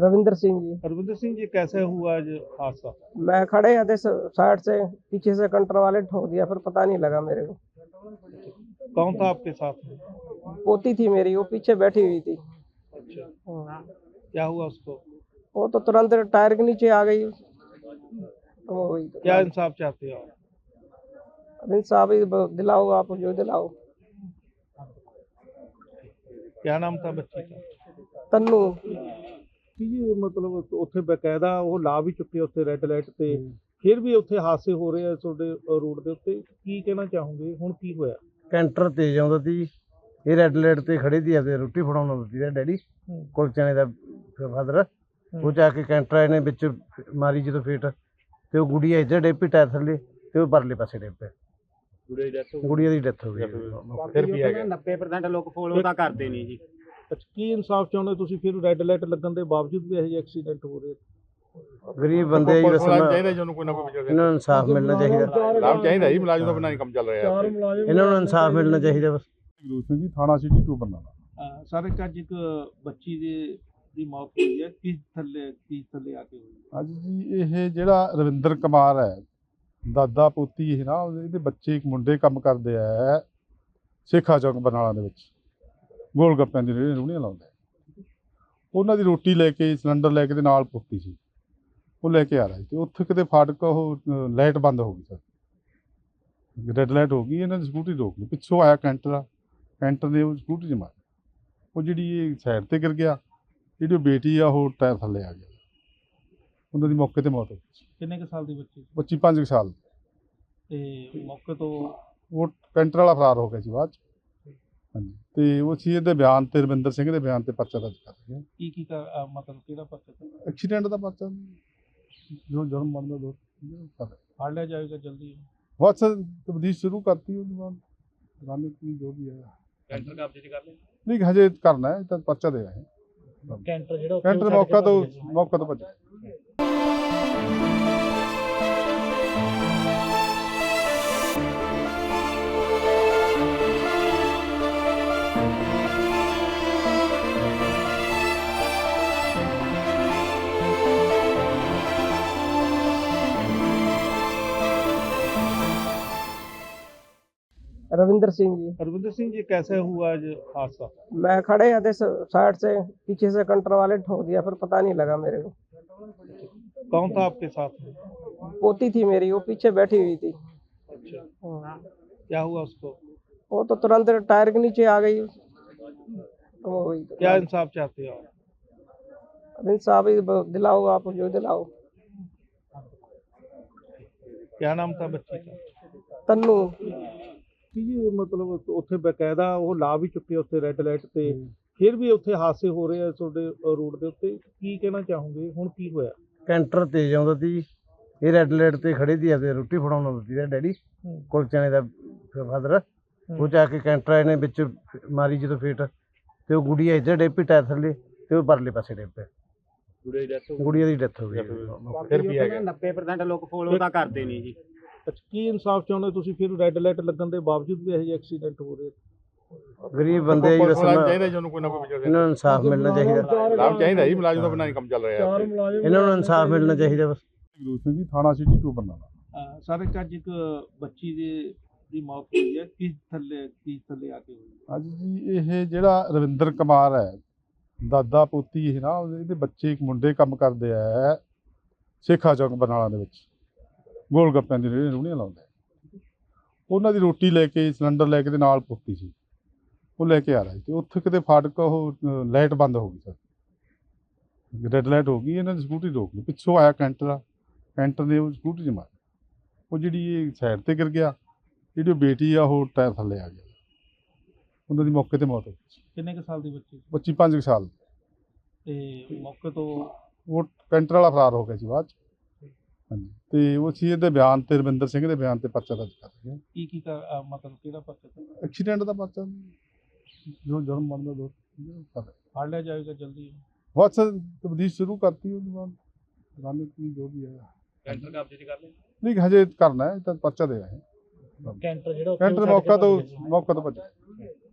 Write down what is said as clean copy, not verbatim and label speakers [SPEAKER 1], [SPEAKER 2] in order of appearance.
[SPEAKER 1] रविंद्र सिंह जी।
[SPEAKER 2] रविंद्र सिंह जी, कैसे हुआ आज हादसा?
[SPEAKER 1] मैं खड़े थे साइड से, पीछे से कंटर वाले ठोक दिया, फिर पता नहीं लगा मेरे को।
[SPEAKER 2] कौन था आपके साथ में?
[SPEAKER 1] पोती थी मेरी, वो पीछे बैठी हुई थी।
[SPEAKER 2] अच्छा,
[SPEAKER 1] हाँ।
[SPEAKER 2] क्या हुआ उसको?
[SPEAKER 1] वो तो तुरंत टायर के नीचे आ गई। तो वही तो।
[SPEAKER 2] क्या इंसाफ चाहते हो आप?
[SPEAKER 1] अब इंसाफ ही दिलाओ, आप जो दिलाओ।
[SPEAKER 2] क्या नाम था बच्ची का?
[SPEAKER 1] तन्नू।
[SPEAKER 2] ਜੀ ਮਤਲਬ ਉੱਥੇ ਬਕਾਇਦਾ ਉਹ ਲਾ ਵੀ ਚੁੱਕੇ ਉੱਥੇ ਰੈੱਡ ਲਾਈਟ ਤੇ ਫਿਰ ਵੀ ਉੱਥੇ ਹਾਦਸੇ ਹੋ ਰਹੇ ਆ ਤੁਹਾਡੇ ਰੋਡ ਦੇ ਉੱਤੇ, ਕੀ ਕਹਿਣਾ ਚਾਹੋਗੇ? ਹੁਣ ਕੀ ਹੋਇਆ?
[SPEAKER 3] ਕੈਂਟਰ ਤੇਜ਼ ਆਉਂਦਾ ਸੀ, ਇਹ ਰੈੱਡ ਲਾਈਟ ਤੇ ਖੜੇ ਸੀ ਆਪਦੇ ਰੋਟੀ ਫੜਾਉਣ ਆਉਂਦਾ ਸੀ ਡੈਡੀ ਕੁਲਚਣੇ ਦਾ ਫਾਦਰ। ਉਹ ਜਾ ਕੇ ਕੈਂਟਰ ਆਏ ਨੇ ਵਿੱਚ ਮਾਰੀ ਜਦੋਂ ਫੇਟ, ਤੇ ਉਹ ਗੁੜੀਆ ਇੱਧਰ ਡਿੱਪੀ ਟਾਇਰ ਥੱਲੇ, ਤੇ ਉਹ ਪਰਲੇ ਪਾਸੇ ਡਿੱਗ ਪਿਆ। ਗੁੜੀਆ ਦੀ ਡੈਥ ਹੋ ਗਈ।
[SPEAKER 2] ਫਿਰ ਕੀ ਹੈਗਾ?
[SPEAKER 4] 90% ਲੋਕ ਫੋਲੋ ਤਾਂ ਕਰਦੇ ਨਹੀਂ ਜੀ।
[SPEAKER 2] ਅੱਛਾ, ਕੀ ਇਨਸਾਫ ਚਾਹੁੰਦੇ ਤੁਸੀਂ? ਫਿਰ ਰੈੱਡ ਲਾਈਟ ਲੱਗਣ ਦੇ ਬਾਵਜੂਦ ਵੀ ਇਹੋ ਜਿਹੇ ਐਕਸੀਡੈਂਟ ਹੋ ਰਹੇ?
[SPEAKER 3] ਗਰੀਬ ਬੰਦੇ ਜੀ, ਬਸ
[SPEAKER 5] ਚਾਹੀਦਾ ਜਿਹਨੂੰ ਕੋਈ ਨਾ ਕੋਈ
[SPEAKER 3] ਇਹਨਾਂ ਨੂੰ ਇਨਸਾਫ ਮਿਲਣਾ ਚਾਹੀਦਾ।
[SPEAKER 5] ਲਾਭ ਚਾਹੀਦਾ ਜੀ, ਮੁਲਾਜ਼ਮ ਤੋਂ ਬਿਨਾਂ ਨਹੀਂ ਕੰਮ ਚੱਲ ਰਿਹਾ।
[SPEAKER 3] ਇਹਨਾਂ ਨੂੰ ਇਨਸਾਫ ਮਿਲਣਾ ਚਾਹੀਦਾ ਬਸ।
[SPEAKER 5] ਗੁਰੂ ਸਿੰਘ ਜੀ, ਥਾਣਾ ਸਿਟੀ 2 ਬਰਨਾਲਾ।
[SPEAKER 2] ਸਰ, ਅੱਜ ਇੱਕ ਬੱਚੀ ਦੀ ਮੌਤ ਹੋਈ ਹੈ, ਕਿਸ ਥੱਲੇ ਆ ਕੇ ਹੋਈ?
[SPEAKER 5] ਅੱਜ ਜੀ ਇਹ ਜਿਹੜਾ ਰਵਿੰਦਰ ਕੁਮਾਰ ਹੈ, ਦਾਦਾ ਪੋਤੀ ਇਹ ਨਾ, ਇਹਦੇ ਬੱਚੇ ਇੱਕ ਮੁੰਡੇ ਕੰਮ ਕਰਦੇ ਆ ਸੇਖਾ ਚੌਕ ਬਰਨਾਲਾ ਦੇ ਵਿੱਚ, ਗੋਲ ਗੱਪਿਆਂ ਦੀ ਰੂਹਣੀਆਂ ਲਾਉਂਦੇ। ਉਹਨਾਂ ਦੀ ਰੋਟੀ ਲੈ ਕੇ, ਸਿਲੰਡਰ ਲੈ ਕੇ ਦੇ ਨਾਲ ਪੋਤੀ ਸੀ, ਉਹ ਲੈ ਕੇ ਆ ਰਿਹਾ ਸੀ, ਤੇ ਉੱਥੇ ਕਿਤੇ ਫਾਟਕ ਉਹ ਲਾਈਟ ਬੰਦ ਹੋ ਗਈ ਸਰ, ਰੈੱਡ ਲਾਈਟ ਹੋ ਗਈ। ਇਹਨਾਂ ਦੀ ਸਕੂਟਰੀ ਰੋਕ ਲਈ, ਪਿੱਛੋਂ ਆਇਆ ਕੈਂਟਰ ਨੇ ਉਹ ਸਕੂਟਰੀ 'ਚ ਮਾਰੀ, ਉਹ ਜਿਹੜੀ ਇਹ ਸਾਈਡ 'ਤੇ ਗਿਰ ਗਿਆ, ਜਿਹੜੀ ਉਹ ਬੇਟੀ ਆ ਉਹ ਟਾਇਰ ਥੱਲੇ ਆ ਗਿਆ, ਉਹਨਾਂ ਦੀ ਮੌਕੇ 'ਤੇ ਮੌਤ ਹੋ ਗਈ।
[SPEAKER 2] ਕਿੰਨੇ ਕੁ ਸਾਲ ਦੀ ਬੱਚੀ?
[SPEAKER 5] ਬੱਚੀ 5 ਸਾਲ
[SPEAKER 2] ਤੇ ਮੌਕੇ ਤੋਂ
[SPEAKER 5] ਉਹ ਕੈਂਟਰ ਵਾਲਾ ਫਰਾਰ ਹੋ ਗਿਆ ਸੀ ਬਾਅਦ 'ਚ। ਹਾਂਜੀ, ਤੇ ਉਹ ਸੀ ਇਹਦੇ ਬਿਆਨ ਤੇ, ਰਵਿੰਦਰ ਸਿੰਘ ਦੇ ਬਿਆਨ ਤੇ ਪਰਚਾ ਦਰਜ ਕਰ ਰਿਹਾ।
[SPEAKER 2] ਕੀ ਮਤਲਬ ਕਿਹੜਾ ਪਰਚਾ?
[SPEAKER 5] ਐਕਸੀਡੈਂਟ ਦਾ ਪਰਚਾ, ਜੋ ਜੁਰਮ ਬਣਦਾ ਦੋ
[SPEAKER 2] ਫੜ ਲਿਆ ਜਾਏਗਾ ਜਲਦੀ?
[SPEAKER 5] ਬਸ ਤਬਦੀਲ ਸ਼ੁਰੂ ਕਰਤੀ, ਉਹਦੇ ਬਾਅਦ ਰਾਣੀ ਜੋ ਵੀ ਹੈ
[SPEAKER 2] ਕੈਂਟਰ ਕਬਜ਼ੇ 'ਚ ਕਰ ਲਿਆ?
[SPEAKER 5] ਨਹੀਂ, ਹਜੇ ਕਰਨਾ ਹੈ, ਤਾਂ ਪਰਚਾ ਦੇ ਰਹੇ।
[SPEAKER 2] ਕੈਂਟਰ ਜਿਹੜਾ
[SPEAKER 5] ਕੈਂਟਰ ਮੌਕਾ ਤੋਂ ਭੱਜਿਆ।
[SPEAKER 1] रविंद्र सिंह जी।
[SPEAKER 2] रविंद्र सिंह जी, कैसे हुआ आज हादसा?
[SPEAKER 1] मैं खड़े थे साइड से, पीछे से कंटर वाले ठोक दिया, फिर पता नहीं लगा मेरे को।
[SPEAKER 2] कौन था आपके साथ में?
[SPEAKER 1] पोती थी मेरी, वो पीछे बैठी हुई थी।
[SPEAKER 2] अच्छा,
[SPEAKER 1] हाँ।
[SPEAKER 2] क्या हुआ उसको?
[SPEAKER 1] वो तो तुरंत टायर के नीचे आ गई। तो वही तो।
[SPEAKER 2] क्या इंसाफ चाहते हो आप?
[SPEAKER 1] अब इंसाफ ही दिलाओ, आप जो दिलाओ।
[SPEAKER 2] क्या नाम था बच्ची का?
[SPEAKER 1] तन्नू।
[SPEAKER 2] ਜੀ ਮਤਲਬ ਉੱਥੇ ਬਕਾਇਦਾ ਉਹ ਲਾ ਵੀ ਚੁੱਕੇ ਉੱਥੇ ਰੈੱਡ ਲਾਈਟ ਤੇ ਫਿਰ ਵੀ ਉੱਥੇ ਹਾਦਸੇ ਹੋ ਰਹੇ ਆ ਤੁਹਾਡੇ ਰੋਡ ਦੇ ਉੱਤੇ, ਕੀ ਕਹਿਣਾ ਚਾਹੋਗੇ? ਹੁਣ ਕੀ ਹੋਇਆ?
[SPEAKER 3] ਕੈਂਟਰ ਤੇਜ਼ ਆਉਂਦਾ ਸੀ, ਇਹ ਰੈੱਡ ਲਾਈਟ ਤੇ ਖੜੇ ਸੀ ਆਪਦੇ ਰੋਟੀ ਫੜਾਉਣ ਆਉਂਦਾ ਸੀ ਡੈਡੀ ਕੁਲਚਣੇ ਦਾ ਫਾਦਰ। ਉਹ ਜਾ ਕੇ ਕੈਂਟਰ ਆਏ ਨੇ ਵਿੱਚ ਮਾਰੀ ਜਦੋਂ ਫੇਟ, ਤੇ ਉਹ ਗੁੜੀਆ ਇੱਧਰ ਡਿੱਪੀ ਟਾਇਰ ਥੱਲੇ, ਤੇ ਉਹ ਪਰਲੇ ਪਾਸੇ ਡਿੱਗ ਪਿਆ। ਗੁੜੀਆ ਦੀ ਡੈਥ ਹੋ ਗਈ।
[SPEAKER 5] ਫਿਰ ਕੀ ਹੈਗਾ?
[SPEAKER 4] 90% ਲੋਕ ਫੋਲੋ ਤਾਂ ਕਰਦੇ ਨਹੀਂ ਜੀ।
[SPEAKER 2] ਅੱਛਾ, ਕੀ ਇਨਸਾਫ ਚਾਹੁੰਦੇ ਤੁਸੀਂ? ਫਿਰ ਰੈੱਡ ਲਾਈਟ ਲੱਗਣ ਦੇ ਬਾਵਜੂਦ ਵੀ ਇਹੋ ਜਿਹੇ ਐਕਸੀਡੈਂਟ ਹੋ ਰਹੇ?
[SPEAKER 3] ਗਰੀਬ ਬੰਦੇ ਜੀ, ਬਸ
[SPEAKER 5] ਚਾਹੀਦਾ ਜਿਹਨੂੰ ਕੋਈ ਨਾ ਕੋਈ
[SPEAKER 3] ਇਹਨਾਂ ਨੂੰ ਇਨਸਾਫ ਮਿਲਣਾ ਚਾਹੀਦਾ।
[SPEAKER 5] ਲਾਭ ਚਾਹੀਦਾ ਜੀ, ਮੁਲਾਜ਼ਮ ਤੋਂ ਬਿਨਾਂ ਨਹੀਂ ਕੰਮ ਚੱਲ ਰਿਹਾ।
[SPEAKER 3] ਇਹਨਾਂ ਨੂੰ ਇਨਸਾਫ ਮਿਲਣਾ ਚਾਹੀਦਾ ਬਸ।
[SPEAKER 5] ਗੁਰੂ ਸਿੰਘ ਜੀ, ਥਾਣਾ ਸਿਟੀ 2 ਬਰਨਾਲਾ।
[SPEAKER 2] ਸਰ, ਅੱਜ ਇੱਕ ਬੱਚੀ ਦੀ ਮੌਤ ਹੋਈ ਹੈ, ਕਿਸ ਥੱਲੇ ਆ ਕੇ ਹੋਈ?
[SPEAKER 5] ਅੱਜ ਜੀ ਇਹ ਜਿਹੜਾ ਰਵਿੰਦਰ ਕੁਮਾਰ ਹੈ, ਦਾਦਾ ਪੋਤੀ ਇਹ ਨਾ, ਇਹਦੇ ਬੱਚੇ ਇੱਕ ਮੁੰਡੇ ਕੰਮ ਕਰਦੇ ਆ ਸੇਖਾ ਚੌਕ ਬਰਨਾਲਾ ਦੇ ਵਿੱਚ, ਗੋਲ ਗੱਪਿਆਂ ਦੀ ਰੂਹਣੀਆਂ ਲਾਉਂਦੇ। ਉਹਨਾਂ ਦੀ ਰੋਟੀ ਲੈ ਕੇ, ਸਿਲੰਡਰ ਲੈ ਕੇ ਦੇ ਨਾਲ ਪੋਤੀ ਸੀ, ਉਹ ਲੈ ਕੇ ਆ ਰਿਹਾ ਸੀ, ਤੇ ਉੱਥੇ ਕਿਤੇ ਫਾਟਕ ਉਹ ਲਾਈਟ ਬੰਦ ਹੋ ਗਈ ਸਰ, ਰੈੱਡ ਲਾਈਟ ਹੋ ਗਈ। ਇਹਨਾਂ ਦੀ ਸਕੂਟਰੀ ਰੋਕ ਲਈ, ਪਿੱਛੋਂ ਆਇਆ ਕੈਂਟਰ ਨੇ ਉਹ ਸਕੂਟਰੀ 'ਚ ਮਾਰੀ, ਉਹ ਜਿਹੜੀ ਇਹ ਸਾਈਡ 'ਤੇ ਗਿਰ ਗਿਆ, ਜਿਹੜੀ ਉਹ ਬੇਟੀ ਆ ਉਹ ਟਾਇਰ ਥੱਲੇ ਆ ਗਿਆ, ਉਹਨਾਂ ਦੀ ਮੌਕੇ 'ਤੇ ਮੌਤ ਹੋ ਗਈ।
[SPEAKER 2] ਕਿੰਨੇ ਕੁ ਸਾਲ ਦੀ ਬੱਚੀ?
[SPEAKER 5] ਬੱਚੀ 5 ਸਾਲ।
[SPEAKER 2] ਤੇ ਮੌਕੇ ਤੋਂ
[SPEAKER 5] ਉਹ ਕੈਂਟਰ ਵਾਲਾ ਫਰਾਰ ਹੋ ਗਿਆ ਸੀ ਬਾਅਦ 'ਚ। ਹਾਂਜੀ, ਤੇ ਉਹ ਸੀ ਇਹਦੇ ਬਿਆਨ ਤੇ, ਰਵਿੰਦਰ ਸਿੰਘ ਦੇ ਬਿਆਨ ਤੇ ਪਰਚਾ ਦਰਜ ਕਰ ਰਿਹਾ।
[SPEAKER 2] ਕੀ ਮਤਲਬ ਕਿਹੜਾ ਪਰਚਾ?
[SPEAKER 5] ਐਕਸੀਡੈਂਟ ਦਾ ਪਰਚਾ, ਜੋ ਜੁਰਮ ਬਣਦਾ ਦੋ
[SPEAKER 2] ਫੜ ਲਿਆ ਜਾਏਗਾ ਜਲਦੀ?
[SPEAKER 5] ਬਸ ਤਬਦੀਲ ਸ਼ੁਰੂ ਕਰਤੀ, ਉਹਦੇ ਬਾਅਦ ਰਾਣੀ ਜੋ ਵੀ ਹੈ
[SPEAKER 2] ਕੈਂਟਰ ਕਬਜ਼ੇ 'ਚ ਕਰ ਲਿਆ?
[SPEAKER 5] ਨਹੀਂ, ਹਜੇ ਕਰਨਾ ਹੈ, ਤਾਂ ਪਰਚਾ ਦੇ ਰਹੇ।
[SPEAKER 2] ਕੈਂਟਰ ਜਿਹੜਾ
[SPEAKER 5] ਕੈਂਟਰ ਮੌਕਾ ਤੋਂ ਭੱਜਿਆ।